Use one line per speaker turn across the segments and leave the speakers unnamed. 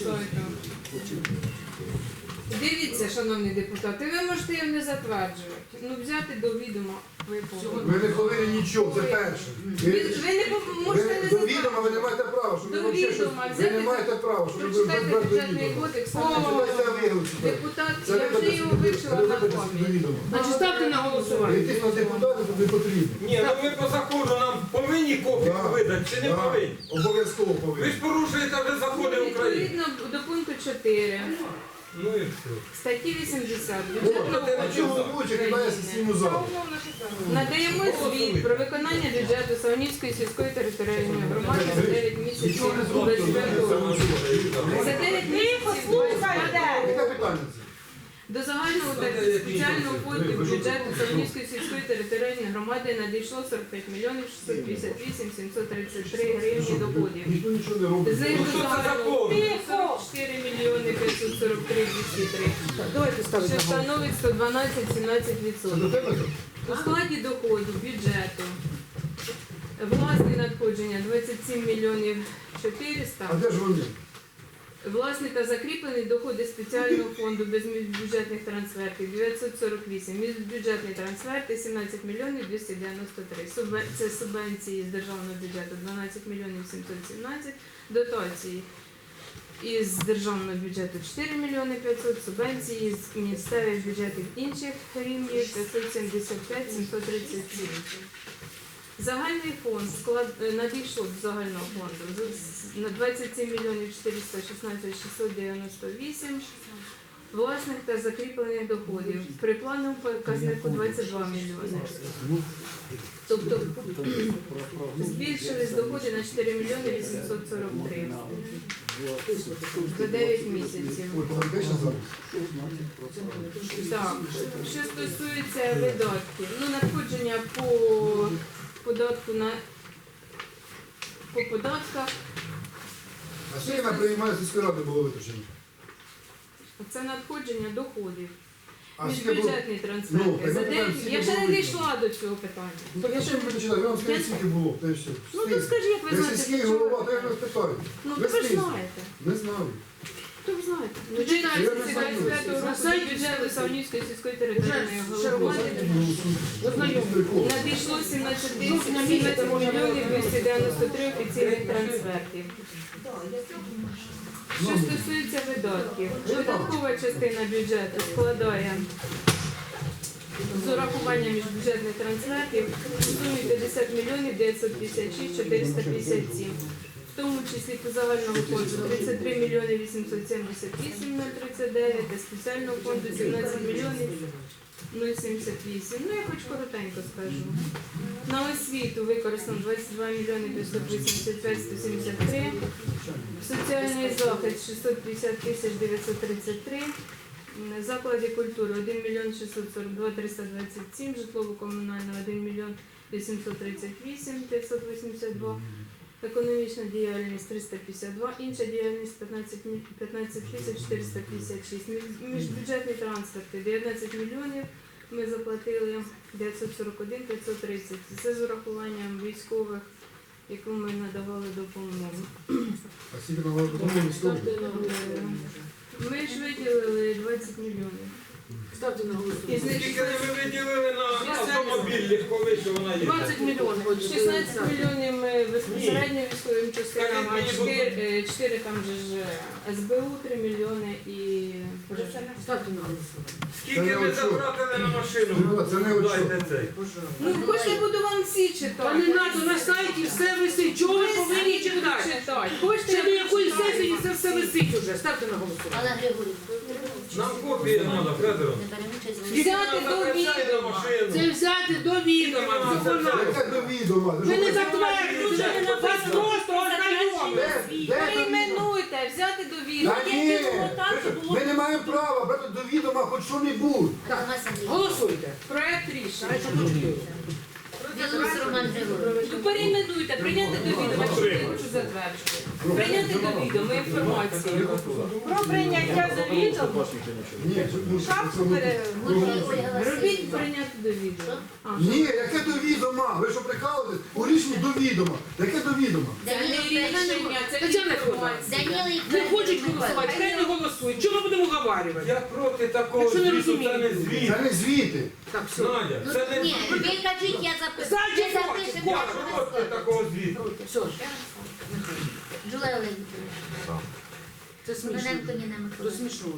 сайту. Дивіться, шановні депутати, ви можете його не затверджувати. Ну, взяти до відома ви повинні.
Ви не повинні нічого, це перше.
Ви не можете не
До відома ви
затверджувати.
не маєте права, щоб ви
До
взагалі щось...
відома
Ви
взяти,
не маєте права, щоб ви
прочитайте
без до
бюджетний
відома.
кодекс.
Читайте виголосити.
Депутат,
Це
я вже його вивчила на
до
пам'ять.
відома.
Значить, ставте на голосування.
Йти на депутатів тут не потрібно.
Ні, ну ви по закону нам повинні копію
Да,
видати чи не
да,
повинні?
Обов'язково
Ви
повинні.
ж порушуєте вже закони України.
Відповідно до пункту 4
Ну і все.
статті 80
О,
бюджетного
а чого головуючий кидає сесійну залу?
надаємо звіт про виконання бюджету Савнівської сільської територіальної громади за 9 місяців
Нічого не зробили.
25 року. За 9 місяців 25 року.
Яке питання це?
До загального та спеціального фонду бюджету Савнівської сільської територіальної громади надійшло 45 мільйонів 658 733 гривні доходів.
Ніхто нічого не робить.
З них
Ну,
до
що це за
загального
повод?
44 мільйони 543 203,
Давайте ставити
що
на голосування.
становить
Це до
112-17%.
тебе?
У складі доходів бюджету власні надходження 27 мільйонів 400,
А де ж вони?
власні та закріплені доходи спеціального фонду без міжбюджетних трансфертів 948, міжбюджетні трансферти 17 мільйонів 293, це субвенції з державного бюджету 12 мільйонів 717, дотації із державного бюджету 4 мільйони 500, субвенції з місцевих бюджетів інших рівнів 575 737. Загальний фонд надійшло до загального фонду на 27 мільйонів 416 698 власних та закріплених доходів. При плановому показнику 22 мільйони. Тобто збільшились доходи на 4 мільйони 843 за 9 місяців.
Ой, де ще зараз?
Так, що стосується видатків, ну надходження по податку по податках,
А скільки на приймальні сільської ради було витрачено?
це надходження доходів.
А скільки було?
Міжбюджетні
Ну,
трансферти.
так
За
ми
деякі-
питаємо,
Я ще
скільки
не
було
дійшла до цього питання.
Так я ще не буду читати, я вам скажу, скільки було, та й все.
Ну то скажи, як ви
Ви
знаєте.
сільський
що ви-
голова, то я вас питаю.
Ну
Ви
то ви ж
скільки?
знаєте.
Не знаю.
То ви знаєте. Ну,
читайте,
читайте
я не знаю.
25
На
року
сайті
бюджету Савнівської сільської територіальної
Вже
громади. Надійшло 17 мільйонів 293 офіційних трансфертів. Що стосується видатків, видаткова частина бюджету складає з урахуванням міжбюджетних трансфертів у сумі 50 мільйонів 956 457. В тому числі по загальному фонду 33 мільйони 878 039 та спеціального фонду 17 мільйонів 078. Ну, я хоч коротенько скажу. На освіту використано 22 мільйони 585 173, соціальний захист 650 тисяч 933, заклади культури 1 мільйон 642 327, житлово-комунальне 1 мільйон 838 582, економічна діяльність 352, інша діяльність 15 тисяч 456, міжбюджетні трансферти 19 мільйонів, ми заплатили 941 530. Це з урахуванням військових, яку ми надавали допомогу.
А скільки на вас допомогли військові?
Ми ж виділили 20 мільйонів.
Ставте на
Із
голосування.
них
Скільки ви виділили на автомобіль легковий, що вона є?
20 мільйонів.
16 мільйонів ми безпосередньо військовим частинам, а
Скажіть мені,
4 там же ж СБУ, 3 мільйони і
Ставте на голосування.
Скільки ви затратили на машину?
Це не от що.
Дайте цей.
ну хочете, я буду вам всі
Та
читати.
не надо, на сайті все висить. Чого ви повинні читати?
читати. Хочете,
Ще до
я
якої
почитаю.
сесії це все висить уже. Ставте на голосування.
Олег Григорівна,
Нам копії треба, Федоро.
не беремо участь в
Скільки
Взяти
вона
до
затрачає на
відома.
машину?
Це взяти до відома. Виконати.
Яке до відома?
Ви не затверджуєте. Вас просто ознайомили.
Перейменуйте, взяти до відома.
Та ні, ми не маємо права брати до відома хоч що-небудь.
Голосуйте.
Проект рішення.
Білорус Роман Григорович.
Ну, перейменуйте, прийняти до відома, що я хочу затверджувати. Прийняти до відома інформацію.
Про прийняття до відома.
Ні, ну,
Шапку
Гуржій Ольга
Робіть
Васильівна.
прийняти до відома. А,
ні, яке до відома? Ви що прикалуєтесь? У рішенні до відома. Яке до відома?
Це не рішення, це
Тетяна
інформація.
Даніла
Не хочуть голосувати, хай не голосують. Чого ми будемо говорити?
Я проти такого
Якщо не
звіту, це не
розумієте.
звіт.
Це не звіти.
Так, все.
Надя,
Ну,
це не
ні, ви
звіт.
кажіть, я запишу.
Зайдіть,
Ми запишемо.
Я проти такого звіту.
Все,
Джулія Олег Вікторович.
це смішно.
Кононенко Ніна
Це
Миколаївна.
смішно.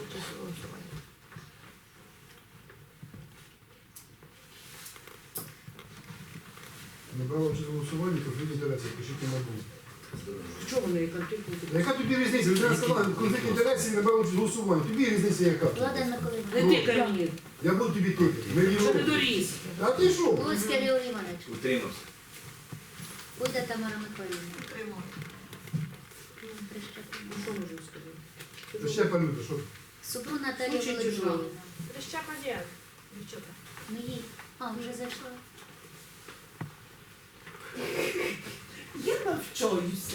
Не брала участь у голосуванні, конфлікт інтересів, пишіть на бум.
Чого вони конфлікт?
Яка тобі різниця? Людина сказала, конфлікт інтересів, не брала участь у голосуванні. Тобі різниця яка?
Влада Миколаївна.
Не тикай мені,
Я буду тобі тикати. Ми
що
його.
не доріс.
А ти що?
Луцький Григорій Іванович.
Утримався.
Пойда Тамара Миколаївна.
Ну, що можу сказати?
Ти ще палюта, що?
Супрун Наталія
Слушай,
Володимирівна.
Прищепа є. Дівчата.
Ну їй. А, вже зайшла.
Я навчаюся.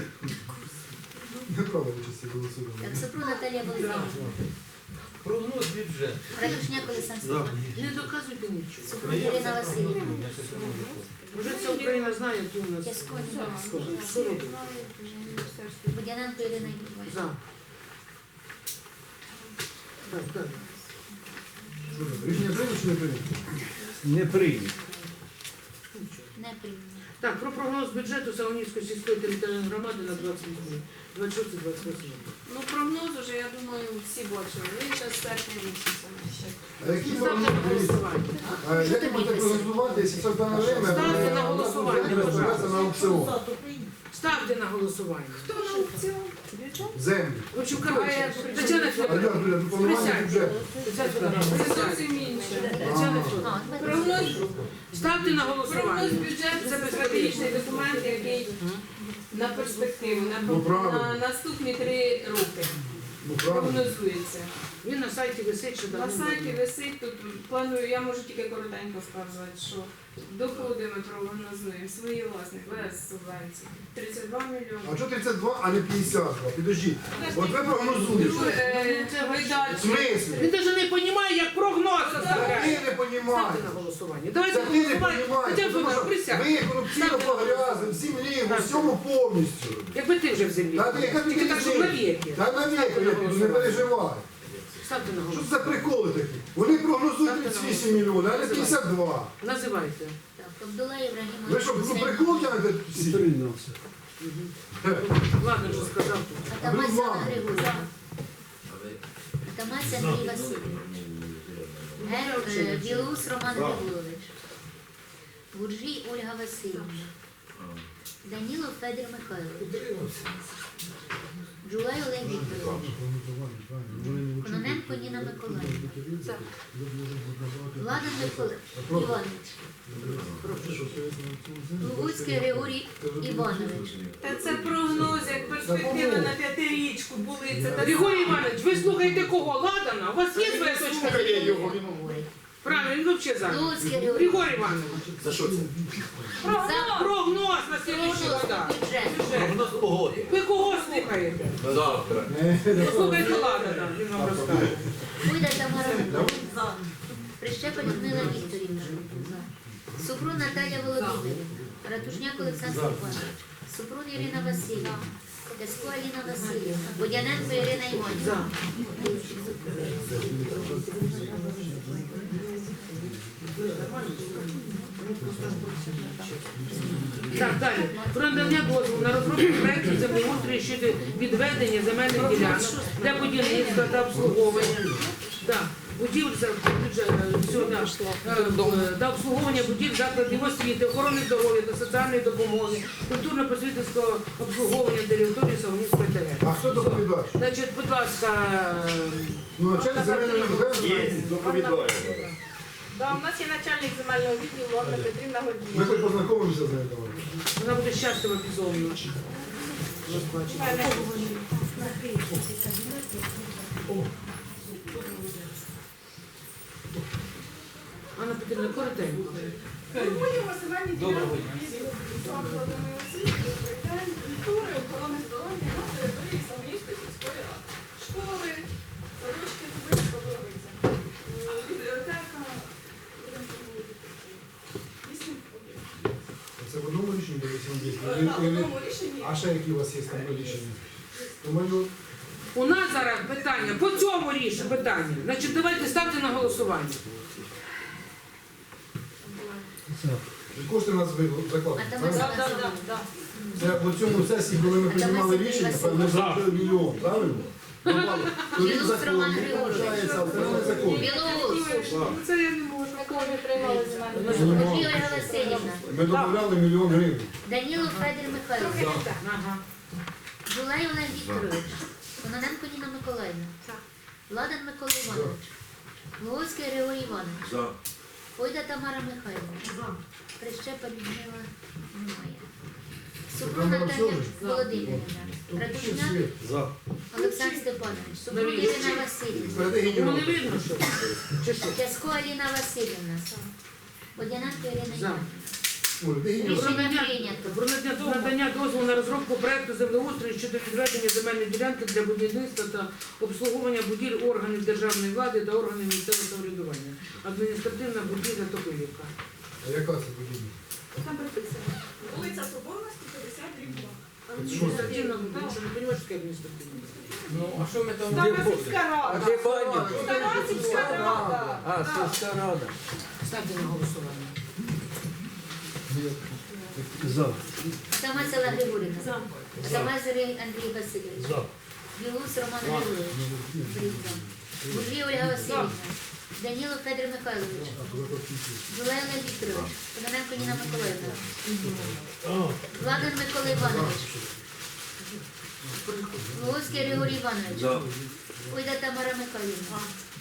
Не брала участь у голосуванні.
Так, Супрун Наталія Володимирівна.
Прогноз бюджету.
Радушняк Олександр Степанович.
Не доказуйте нічого.
Супрун Ірина Васильівна.
Вже вся Україна знає, які у нас.
Ясько
Що робить?
Водяненко Ірина Іванівна.
За. Так, так.
Що там, рішення прийнято чи не прийнято?
Не прийняв.
Не прийняла.
Так, про прогноз бюджету Савонівської сільської територіальної громади на 26-28.
Ну, прогноз уже, я думаю, всі бачили. Він зараз серпня місяця.
А які
Ставте на
прогнози?
голосування.
Як ви можете прогнозувати, якщо це дане время,
Ставте на голосування,
розбиратися на аукціон?
Ставте на голосування.
Хто на аукціон?
Землі.
В общем, коротше, Тетяна
А я,
Федоровна.
блядь, планування бюджету.
Тетяна Федоровна.
Це зовсім інше.
Тетяна Федоровна.
А,
Прогноз,
Ставте на
прогноз
голосування.
бюджету це стратегічний документ, який на перспективу,
Ну, правильно.
на наступні 3 роки
Ну, правильно.
прогнозується.
Він на сайті висить, що
На
давно.
сайті висить, тут планую, я можу тільки коротенько сказати, що доходи ми прогнозуємо свої власні, без субвенцій. 32 мільйони.
А чого 32, а не 52? Підождіть. От ви прогнозуєте. В
Видачі.
смислі?
Він навіть не розуміє, як прогноз
Це
составляє.
ти не
Ставте
понімаєш.
на голосування.
Це
Давайте
ти не
голосувати.
понімаєш.
Тетяна
Тому
Федоровна,
що
присядьте.
ви корупційно погрязли в землі, в усьому повністю.
Якби ти вже в землі.
Та ти, яка тобі
Тільки так, щоб
різниця?
навіки.
Та навіки, я піду, не переживай.
Ставте на
Що
голосування.
це за приколи такі? Вони прогнозують 38 мільйонів, а не 52.
Називайте.
Так, Абдулла Ібрагімович.
Ви що, ну, прикол тягнете всі?
Ладно, вже сказав тут.
Атамась Анна
Ладно.
Григорівна. Атамась Андрій Васильович. Білоус Роман Григорович. Гуржій Ольга Васильівна. Данілов Федір Михайлович. Джулай Олег Вікторович. Кононенко Ніна Миколаївна. Влада Іванович. Лугуцький Григорій Іванович.
Та це прогноз, як перспектива на 5-річку були. Це так
Григорій Іванович, ви слухаєте кого? Ладана? У вас є своя точка зору?
Говорить.
Правильно, він взагалі за.
Луцький Григорій.
Григорій Іванович,
За що це?
За
прогноз на слідчий
прогноз
года.
бюджету.
Прогноз погоди.
Ви кого слухаєте?
Завтра.
Послухайте Ладана, він вам розкаже.
Пойда Тамара Миколаївна. Прищепа Людмила Вікторівна. Супрун Наталія Володимирівна. Ратушняк Олександр Степанович. Супрун Ірина Васильівна. Ясько Аліна Васильівна. Водяненко Ірина Іванівна.
За. Так, далі. Про надання дозволу на розробку проєкту землеустрою щодо відведення земельних ділянок для будівництва та обслуговування. Так, будівель та обслуговування будівель закладів освіти, охорони здоров'я та соціальної допомоги, культурно-просвітницького обслуговування території Савонівської ТГ.
А хто доповідач?
Значить, будь ласка,
Ну, начальник земельної
Є, доповідаю.
Да, у нас є начальник земельного відділу Анна Петрівна
Ми
Гордієва.
хоч познайомимося з нею. давай.
вона буде щаслива безумно. Розбачити. Анна Петрівна, коротенько.
Формуємо
Доброго дня.
Закладами освіти, укриття, культури, охорони здоров'я на території Самоїльської сільської ради. Школи, садочки, Зубицька, Боровиця. Бібліотека, будемо проводити. 8 об'єктів.
Це в одному рішенні буде 8
Так, в
об'єктів?
одному рішенні.
А ще які у вас є там рішення? Думаю,
У нас зараз питання, по цьому рішенню питання. Значить, давайте ставте на голосування.
кошти у нас закладені.
А там
правильно?
Да.
Це по цьому сесії, коли ми приймали рішення, ми заплатили мільйон, правильно? Тоді
Білоус
закон
Роман
не
Григорович.
виходить, а це не закон.
Білоус.
Це я не можу.
Ольга Васильівна.
Ми додавали мільйон гривень.
Данілов Федір Михайлович.
Ага.
Жулай Олег Вікторович. Кононенко Ніна Миколаївна. Ладан Микола Іванович. Луговський Григорій Іванович.
За.
Пойда Тамара Михайлівна. Прищепа Людмила немає. Супрун Наталія Володимирівна. Радушняк
За.
Олександр Степанович. Супрун Ірина Васильівна.
Передай
Йому не
генерал.
видно, що? Чи що?
Тясько Аліна Васильівна. Водяненко Ірина
За.
Іванівна.
Ой, де генерал?
Рішення прийнято.
Про надання дозволу на розробку проекту землеустрою щодо відведення земельної ділянки для будівництва та обслуговування будівель органів державної влади та органів місцевого самоврядування. Адміністративна будівля Топилівка.
А яка це будівля?
Там приписано. Вулиця Соборності, 50 2.
Адміністративна будівля, що не розумієш, що таке адміністративна?
Ну, а що ми там
Стара
де
сільська
А
рада.
де баня?
Стара сільська рада.
А, сільська рада.
Ставте на голосування.
За.
Тамась Олег Григорівна. Тамась Андрій Васильович. Білус Роман Григорович. Буржій Ольга Васильівна. Данілов Федір Михайлович. Жулай Олег Вікторович. Кононенко Ніна Миколаївна. Ладан Микола Іванович. Луговський Григорій Іванович.
За.
Ойда Тамара Михайлівна.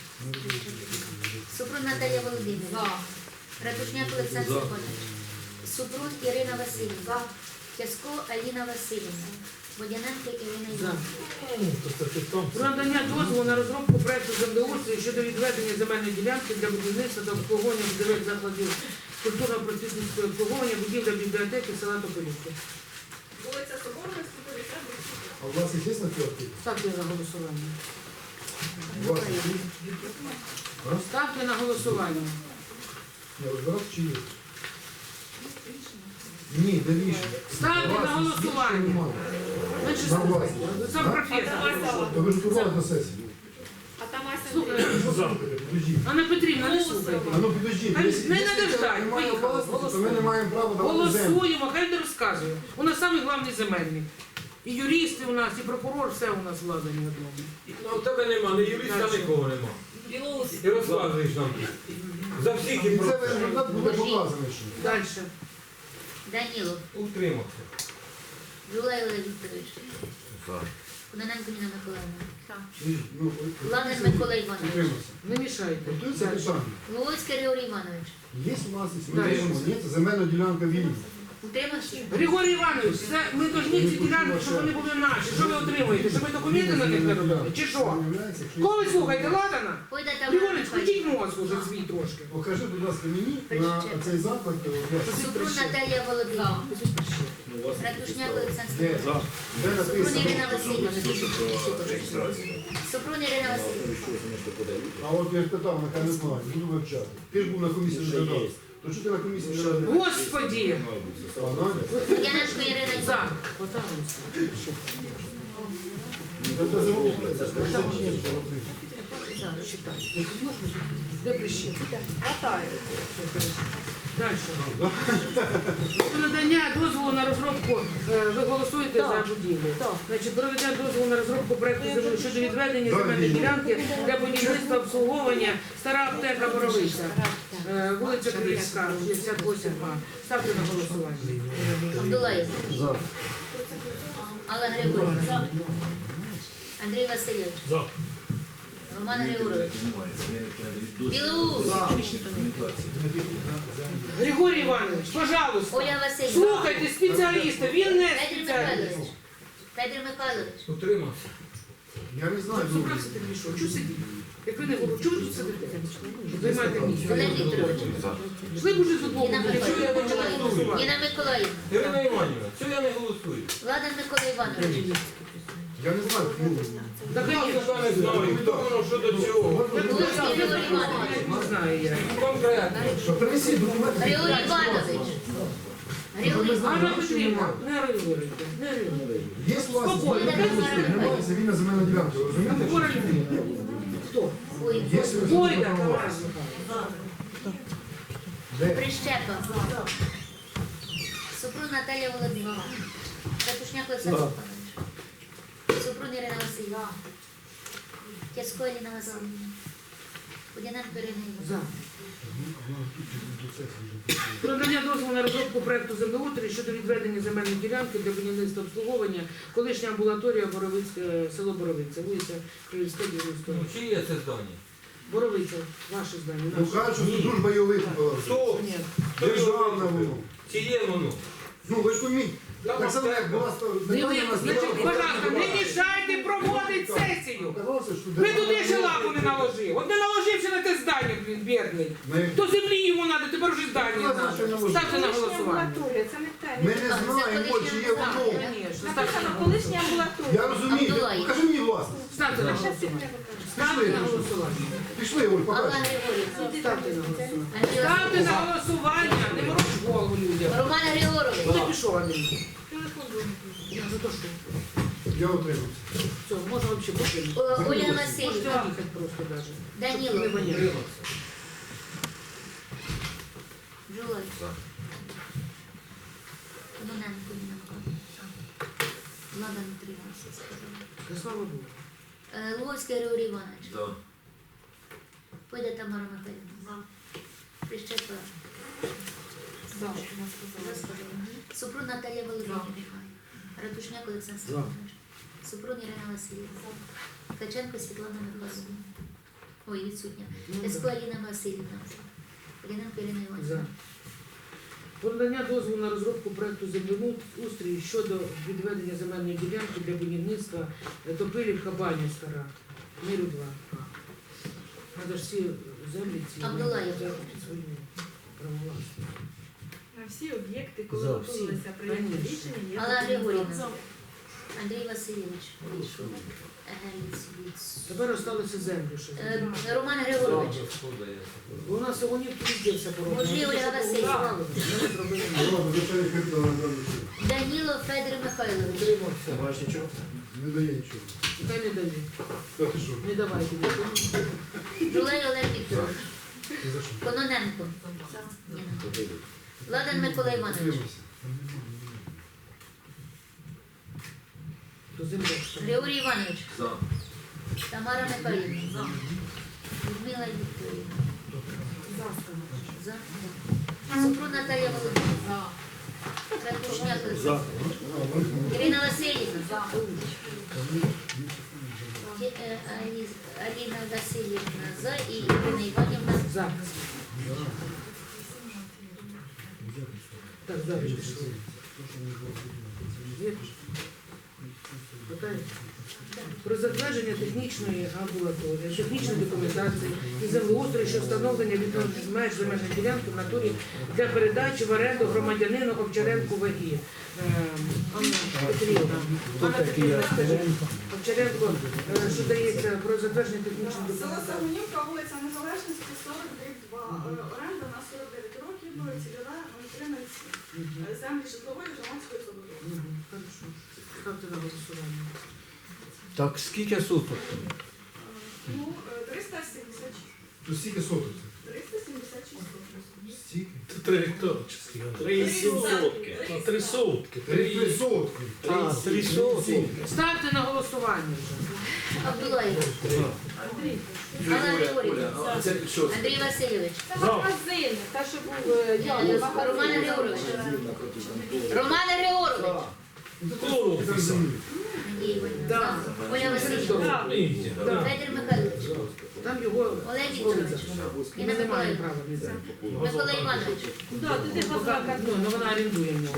Супрун Наталія Володимирівна. Ратушняк Олександр Степанович. Супрун Ірина Васильівна. Тясько Аліна Васильівна. Водяненко Ірина Іванівна.
Про надання дозволу на розробку проекту землеустрою щодо відведення земельної ділянки для будівництва та обслуговування будівель закладів культурно-просвітницького обслуговування будівля бібліотеки села Топилівки.
Вулиця Соборності, 50 2.
А у вас є на квартирі?
Ставте на голосування.
У вас є?
Ставте на голосування.
Ні, розбирати чи є? Ні, де рішення?
Ставте на голосування. Значить,
На власні.
сам професор.
То ви ж готували до сесії.
А там
Слухайте,
Підождіть.
Анна Петрівна, не слухайте.
А ну підождіть.
Хай
Якщо-
не
якщо
надо ждать,
немає
поїхали,
власності, то ми не маємо права давати землю.
Голосуємо, хай не розказує. У нас самий головний земельник. І юристи у нас, і прокурор, все у нас влада не одному.
Ну, в тебе нема, не юриста нікого нема. І розказуєш нам. За всіх
І
і
це
про
результат буде показаний ще.
Далі.
Данілов.
утримався.
Жулай Олег Вікторович.
За.
Кононенко Ніна Миколаївна.
Ну,
Ладан Микола Іванович.
утримався.
Не мішайте.
Готується
Дальше.
питання.
Луговський Григорій Іванович.
Є у нас
Далі.
є земельна ділянка вільна.
Утримався?
Григорій Іванович, це ми повинні ці ділянки, щоб вони були наші. Що ви отримуєте? Щоб ми документи на них не робили? Чи що? Кого ви слухаєте, Ладана?
Пойда Тамара
Григорій, включіть
Михайлівна.
мозк уже свій трошки.
Покажи, будь ласка, мені на цей заклад.
Супрун Наталія Володимирівна. Ратушняк Олександр
Де?
Степанович.
Де
Супрун
написано?
Ірина Васильівна.
Реєстрація.
Супрун Ірина Васильівна.
А от я ж питав, нехай не знаю, буду вивчати. Ти ж був на комісії не додав. То що ти на комісії не додав?
Господі!
А, Надя?
Водяненко Ірина
За.
Іванівна.
Отак ось.
Це замовлення. Це
За, читай. Де прищепи? Далі. Про надання дозволу на розробку, ви голосуєте за будівлю. Значить, проведення дозволу на розробку проекту землі щодо відведення земельної ділянки для будівництва обслуговування стара аптека Боровиця, вулиця Київська, 68А. Ставте на голосування.
Абдулаєв.
За.
Алла Григорівна. Андрій Васильович. Роман Григорович. Білоус.
Григорій Іванович, пожалуйста,
Оля Васильівна.
слухайте спеціаліста, він не
Федір
спеціаліст.
Михайлович. Федір Михайлович.
Утримався.
Я не знаю.
Зубрався ти пішов, чого сидіти? Як ви не говорите, чого ви тут сидите? Займайте місце.
Олег Вікторович.
Йшли б уже з одного,
Ніна
якщо я почала голосувати.
Ніна Миколаївна.
Ірина Іванівна, чого я не голосую?
Владан Микола Іванович.
Я не знаю, ну,
Так
Я
я
не знаю, хто воно, що до чого.
Луцький Григорій Іванович.
не знаю я.
Конкретно.
що принесіть документи.
Григорій Іванович. Григорій
Анна
Іванович.
Петрівна, не реагуйте, не реагуйте.
Є у вас
Спокійно.
немає вільна земельна ділянка, ви розумієте?
Хвора людина. Хто?
Ой,
Є
Бойда, Тамара Михайлівна.
Де?
Прищепа. Супрун Наталія Володимирівна. Ратушняк Олександр Степанович. Супрун Ірина Васильівна. Тясько Еліна Васильівна. Водяненко Ірина
За.
Іванівна.
Про надання дозволу на розробку проекту землеустрою щодо відведення земельної ділянки для будівництва обслуговування колишня амбулаторія Боровицьке, село Боровиця, вулиця Київська, 90.
Ну, чи є це здання?
Боровиця, ваше здання.
Ну
наше.
кажуть, що це дружба його
Хто?
Ні.
державна воно.
Чи є воно?
Ну ви ж поміть, так само як була
Значить, пожалуйста, не мішайте проводити сесію. Ви туди ще лапу не наложив. От не наложився на те здання, блін, бідний. То землі йому треба, тепер вже здання треба. Ставте на голосування.
Амбулаторія, це не те.
Ми не знаємо, чи є воно.
Звісно, ставте на
Написано
голосування.
колишня амбулаторія.
Я розумію,
Абдулаєв.
покажи мені власність.
Ставте на голосування. Ставте на голосування.
Пішли, Оль,
Алла
покажи.
Григорівна.
Ставте на голосування.
Андрій
Ставте на
Васильович.
голосування, не мороч голову людям.
Роман Григорович.
Хто пішов, Андрій? Я за то, що
Я отримався.
все, можна взагалі покинути.
Ольга
Можете
Васильівна.
їхати просто даже. Не
Данілов.
воняє.
Жулай. Кононенко Ніна Миколаївна. Влада Дмитрівна, все сказала.
Та слава Богу.
Луговський Григорій Іванович.
За.
Пойде Тамара Михайлівна. Прищепа. Супрун Наталія Володимирівна. Ратушняк Олександр Степанович. Супрун Ірина Васильівна. Ткаченко Світлана Михайлівна. Ой, відсутня. Тясько Аліна Васильівна. Поліненко Ірина
За.
Іванівна.
Про надання дозволу на розробку проекту землеустрою щодо відведення земельної ділянки для будівництва Топилівка Баня Стара. Миру 2. Треба ж всі землі ці
Абдулаєв.
взяти під свою правовласність.
На всі об'єкти, коли
За.
готувалися прийняти
Конечно.
рішення, є
Алла
документація.
Григорівна. Андрій Васильович. Вийшов.
Тепер залишилося землю ще.
Роман Григорович.
У нас сьогодні везде все пороблено.
Можливо, Ольга Васильівна.
Ми не зробили.
Ладно, звичайно, капітал на даний час.
Данілов Федір Михайлович.
Утримався.
Не дає нічого.
Нехай не дає.
Та ти що?
Не давайте.
Жулей Олег Вікторович.
Ти за що?
Кононенко. Ніна. Владан Микола Іванович.
Утримався.
До землі.
Григорій Іванович.
За.
Тамара Михайлівна. Людмила Вікторівна. За. Супрун Наталія Володимирівна. Ратушняк Олександр. Ірина Васильівна. Аліна Васильівна за і Ірина Іванівна.
За. Так, далі пішли. Є? Питання? Про затвердження технічної амбулаторії, технічної документації і землеустрою, що встановлення відповідних меж земельної ділянки в натурі для передачі в оренду громадянину Овчаренку ВАГІ. Анна Петрівна. Анна Петрівна, Овчаренко, що дається про затвердження технічної
Село
документації.
Сагунівка, вулиця Незалежності, 40/2. Оренда на 49 років, цільова 0307. Землі житлової громадської забудови.
Мгм, хорошо. Ставте на голосування.
Так, скільки суток?
Ну, 376.
То стільки соток?
376.
Стільки?
3 гектари. 3 сотки.
3 сотки.
3 сотки.
Ставте на голосування вже.
Абдулаєв. Алла Григорівна.
А це що?
Андрій Васильович.
Це магазин, та що був
Роман Григорович. Роман Григорович.
Це землі.
Надія Іванівна.
Да.
За. Ольга Васильівна.
Да.
Федір Михайлович.
Там його
Олег Вікторович.
і
Інна
ми не маємо
Миколаївна.
права не взяти.
Микола Іванович.
Ну, вона орендує в нього.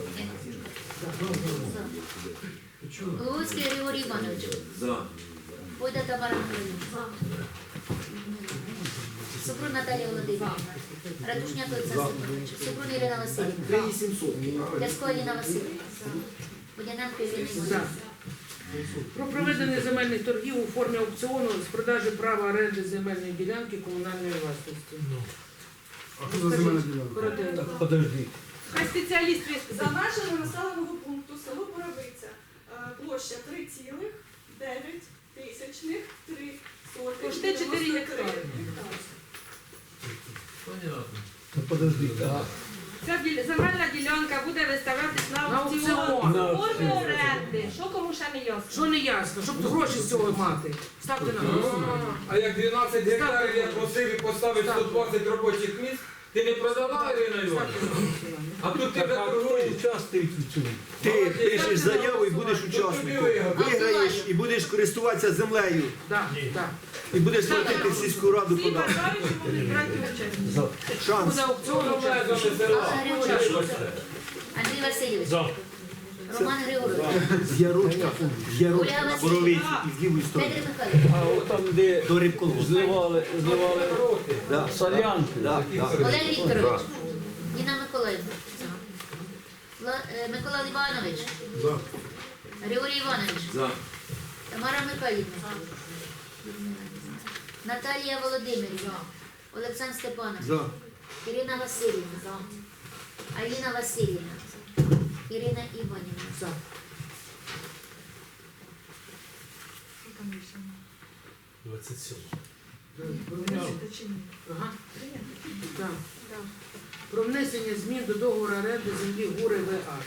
Луцький Григорій Іванович.
За.
Пойда Тамара Михайлівна. Супрун Наталія Володимирівна. Ратушняк Олександр Степанович. Супрун Ірина Васильівна.
3700.
Лясько Аліна Васильівна. Водяненко Ірина
За.
Іванівна.
Про проведення земельних торгів у формі аукціону з продажі права оренди земельної ділянки комунальної власності.
А що за земельна ділянка?
Коротенько.
Подожди.
Хай спеціаліст
За межами населеного пункту село Боровиця, площа 3,9
Кошти 4 гектари.
Понятно.
Та подожди.
Ця земельна ділянка буде виставлятись на
На
аукціон.
аукціон.
В формі оренди. Що кому ще не ясно?
Що не ясно, щоб гроші з цього мати. Ставте на голосування.
А як 12 гектарів я просив і поставив 120 робочих місць, ти не продала, Ірина Іванівна? А тут ти торгуєш.
Участвують в цьому.
Ти пишеш заяву і будеш учасником. Виграєш і будеш користуватися землею.
Так, так.
І будеш платити в сільську раду
Всі
податки.
бажаючі можуть брати участь.
Шанс.
Буде аукціон участь.
Межами села.
Алла Григорівна. Андрій Васильович.
За.
Роман Григорович.
З'ярочка на Боровиці і з лівої сторони.
Федір Михайлович.
А от там, де
До рибколу.
зливали
Да.
солянки.
Да, да.
Олег Вікторович. Ніна Миколаївна. Микола Іванович.
За.
Григорій Іванович.
За.
Тамара Михайлівна. Наталія Володимирівна. Олександр Степанович.
За.
Ірина Васильівна. Аліна Васильівна. Ірина Іванівна.
За. Ага. Так. Про внесення змін до договору оренди землі Гури ВА.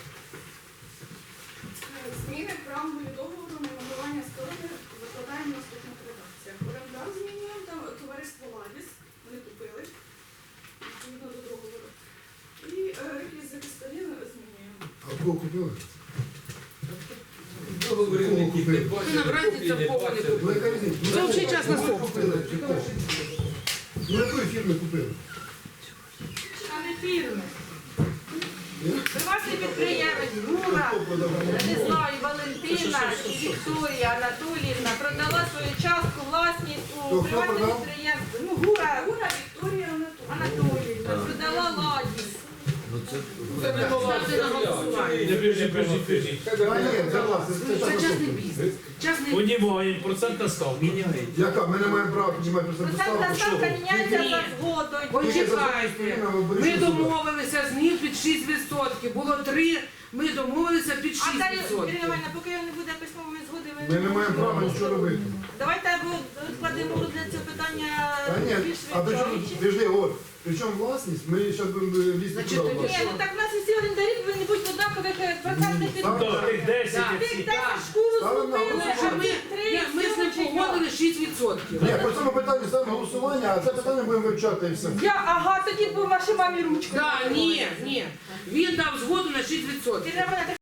Зміни правової договору на набування сторони викладаємо в наступних редакціях. Орендар змінюємо, там товариство Ладіс, вони купили, відповідно до договору. І реквізити сторін змінюємо.
А кого купили?
Договорівники, ти
Ти
бачиш,
набрати
копії
це
не
в повні
бачиш.
Ну яка різниця?
Це взагалі час на
Кого
стоп.
купили? Чи кого? Ну якої фірми купили?
А не фірми. Приватний підприємець Гура,
Хто продав?
не знаю, Валентина і Вікторія Анатоліївна продала свою частку власність у
Хто
приватне
продав?
підприємство. Ну, Гура
Гура Вікторія
Анатоліївна продала Ладіс.
Це не була
Ставте на голосування.
А ні, це власне.
Це частний бізнес. Частний
Понімаємо, процентна ставка.
Яка? Ми не маємо права піднімати
Процентна ставка міняється
Ні.
за згодою.
Почекайте. Ми домовилися з ним під 6%. Було 3, ми домовилися під
А далі,
6%.
Ірина Іванівна, поки не буде письмової згоди,
Ми не маємо права нічого робити.
Давайте або складемо розгляд цього питання
Та ні,
більш
а при чому,
відчовічі.
підожди, от, при чому власність, ми зараз будемо лізти
Значить,
туди.
тоді
Ні, ну так в нас усі орендарі повинні бути в однакових процентних
Так.
Тих 10
Так.
і
Тих
всі.
10 шкуру
Ставимо на
злупили,
голосування.
а тих 3
ми з ним погодили 6%.
Ні, по цьому питанню ставимо голосування, а це питання будемо вивчати і все.
Ага, тоді по вашій мамі ручку.
Так, ні. Він дав згоду на 6%.
Ірина Іванівна, так